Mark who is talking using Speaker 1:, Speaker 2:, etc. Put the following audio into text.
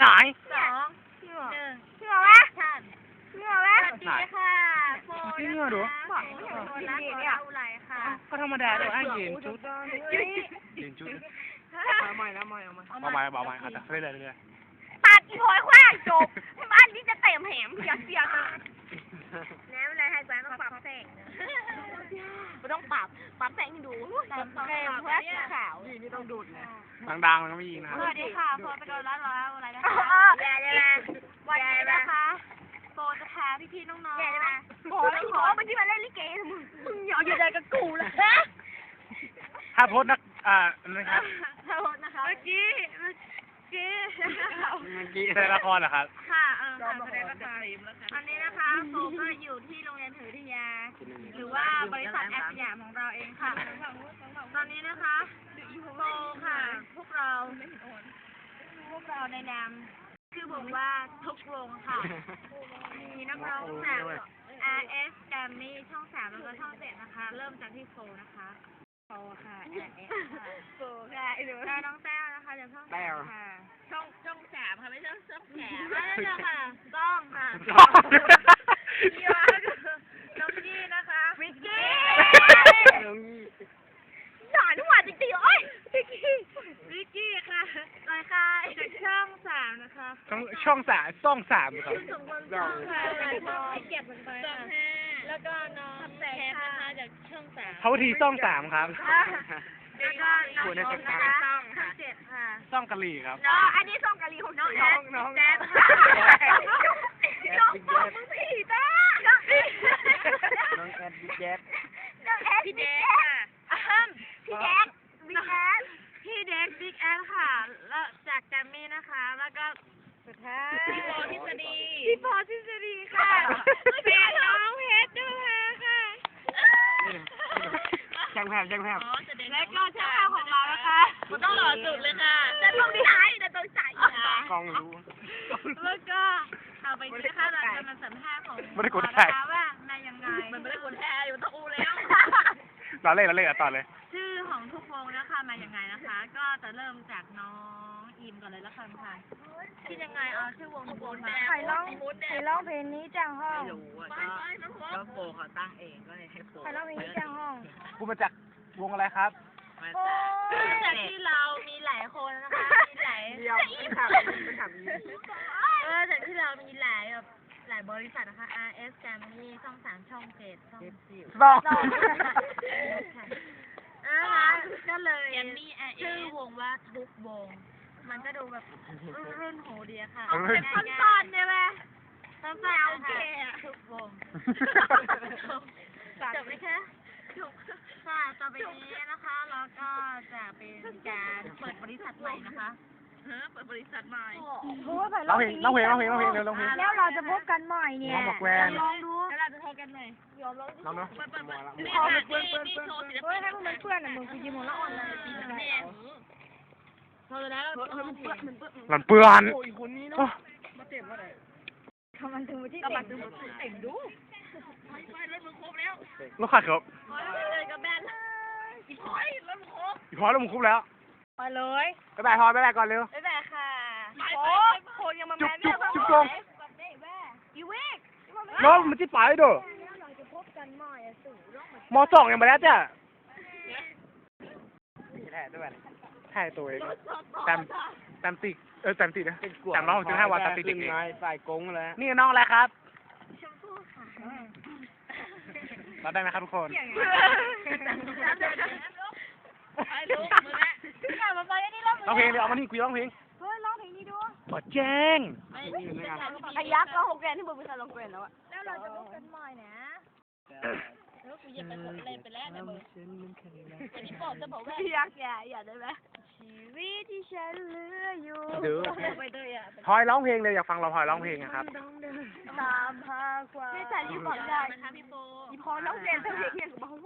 Speaker 1: ไหน
Speaker 2: 2 1เชื่อวะเชื่อวะสวัสดีค่ะโฟน
Speaker 1: เชื่อดู
Speaker 2: บอกไม่เห็นโฟนรักเราไหลค่ะ
Speaker 1: ก็ธรรมดาเลยอ้างยืนชุดยืนชุดเอาใหม่อาจจะเรื่อยๆ
Speaker 2: ตัดอีโอยคว้างจบบ้านนี้จะเต็มแหมอย่าเสียกันแล้วอะไรให้แบงค์ต้องปรับแสงไม่ต้องปรับแสงให้ดูปรับแสงเพื่อขาวนี่ต้องดูดเลย
Speaker 1: ดังๆมันก็ไม่ยิงนะ
Speaker 2: สวัสดีค่ะโฟนไปโดนแล้วอะไรนะคะวันนี้นะคะโฟนจะพาพี่ๆน้องๆโอ้ยมันที่มาเล่นลิเกมึงอย่าอยู่ใจกับกูเลย
Speaker 1: ถ้าโพสต์นะครับ
Speaker 2: ขอโทษนะคะเมื่อกี้
Speaker 1: แสดงละครเหรอครับ
Speaker 2: ค่ะแสดงละครอันนี้นะคะโฟก็อยู่ที่โรงเรียนถือวิทยาหรือว่าบริษัทแอสยามของเราเองค่ะตอนนี้นะคะโฟค่ะพวกเราในนามชื่อวงว่าทุกวงค่ะมีนักร้องจาก RS Grammy ช่อง 3แล้วก็ช่อง 7นะคะเริ่มจากที่โฟนะคะโฟค่ะ RS ค่ะโฟค่ะแล้วน้องแต้วนะคะจากช่อง3ค่ะช่อง3ค่ะไม่ใช่ช่องแหนไม่ใช่ค่ะต้องค่ะพี่ว่าน้องกี้นะคะวิกกี้หยาดหวานจริงๆโอ้ยวิกกี้ค่ะลอยค่ะจากช่อง3นะคะ
Speaker 1: ช่อง3ครับ
Speaker 2: เก็บมันไปแล้วก็น้องแซมนะคะจากช่อง3
Speaker 1: เขาทีช่อง3ครับ
Speaker 2: แล้วก็น้องนะคะช่อง7ค่ะ
Speaker 1: ช่องกะหรี่ครับ
Speaker 2: น้องอันนี้ช่องกะหรี่ของน้องแจ๊น้องมึงผีต้าน้องแอดพี่แจ๊พี่แจ๊พี่แจ๊บิ๊กแอดพี่เด็กบิ๊กแอดค่ะแล้วจากแกรมมี่นะคะแล้วก็สุดท้ายพี่ปอทฤษฎีค่ะเป็นน้องเพชรด้วยค่ะ
Speaker 1: แจ้งแพทย์
Speaker 2: และก็ช่างภาพของเรานะคะต้องหล่อสุดเลยค่ะจะต้องใส่
Speaker 1: กองรู้
Speaker 2: แล้วก็เอาไปที่ค่ะเราจะมาสัมภาษณ์ของ
Speaker 1: ไม่ได้กดแทน
Speaker 2: ว่าในยังไงมันไม่ได้กดแทนอยู่ตะอูแล้ว
Speaker 1: เราเล่นต่อเลย
Speaker 2: ชื่อของทุกวงนะคะมายังไงนะคะ ก็จะเริ่มจากน้องอิมก่อนเลยละกันค่ะคิดยังไงเอาชื่อวงทุกวงมาใครร้องเพลงนี้จังห้อง
Speaker 3: ไม่รู้อ่ะก็โฟเขาตั้งเองก็เลยให้โฟ
Speaker 2: ใครร้องเพลงนี้จังห้อง
Speaker 1: กูมาจากวงอะไรครับ
Speaker 3: มา
Speaker 2: จากที่เรามีหลายคนนะคะมีหลายจากที่เรามีหลายบริษัทนะคะ RS Grammy ช่อง 3 ช่อง 7 ช่อง
Speaker 1: ต้อง
Speaker 2: นะคะก็เลยชื่อวงว่าทุกวง มันก็ดูแบบรุ่นโหดีอะค่ะเป็นสั้นๆใช่ไหมสั้นๆโอเคทุกวงจบไหมคะค่ะต่อไปนี้นะคะแล้วก็จะเป็นการเปิดบริษัทใหม่นะคะเปิดบริษัทใหม่
Speaker 1: ร้องเพลงเร็วร้องเพลง
Speaker 2: แล้วเราจะพบกันใหม่เนี่ย
Speaker 1: น้องบอกแวน
Speaker 2: ลองดูแล้วเราจะพบกันใหม่ยอมลอง
Speaker 1: น้องเนาะ
Speaker 2: พอมันเพื่อนเฮ้ยให้พวกมันเพื่อนอ่ะมึงกูยิ้มหัวละอ่อนเลยปีนั้นพอแล้วมันเปื้อน
Speaker 1: หลันเปื้อน
Speaker 2: ทำมันถึงมาที่เต็มดู
Speaker 1: ลูกขาดครับ
Speaker 2: เลยกับแบนอีพอยแล้วมึงครบ
Speaker 1: อีพอแล้วมึงคุบแล้ว
Speaker 2: ไปเลย
Speaker 1: บ๊ายบายพอบ๊ายบายก่อนเร็ว
Speaker 2: บ๊ายบายค่ะโคยังมาแมน
Speaker 1: จุ๊บตรง
Speaker 2: อีเวก
Speaker 1: น้องมันจะไปเด้อม.2ยังมาแล้วจ้ะถ่ายตัวเองแตมติแตมตินะ365 วันแตมติเด็กเอง
Speaker 3: ใส่กงแล้ว
Speaker 1: นี่น้องอะไรครับ
Speaker 2: ชมพู่ค่ะ
Speaker 1: รับได้ไหมครับทุกคน
Speaker 2: ไอ้ลูกมึงแหละอย่ามาไปได้รอบ
Speaker 1: ร้องเพลงเดี๋ยวเอามานี่คุยร้องเพลง
Speaker 2: เฮ้ยร้องเพลงนี้ดู
Speaker 1: ขอแจ้ง
Speaker 2: พยักก็6 แกนที่มึงไปใส่ลงเกวนแล้วอะแล้วเราจะพบกันใหม่นะแล้วกูจะไปกดเล่นไปแล้วนะมึงอันนี้บอกจะบอกว่าพยักอย่าได้ไหมชีวิตที่ฉันเหลืออยู่
Speaker 1: เดี๋ยว
Speaker 2: ไปด้วยอ่ะ
Speaker 1: พลอยร้องเพลงเลยอยากฟังเราพลอยร้องเพลงนะครับ
Speaker 2: ตามหาความไม่ใช่รีบบอกได้นะคะพี่โฟอีพอร้องเพลงเท่าไหร่เนี่ย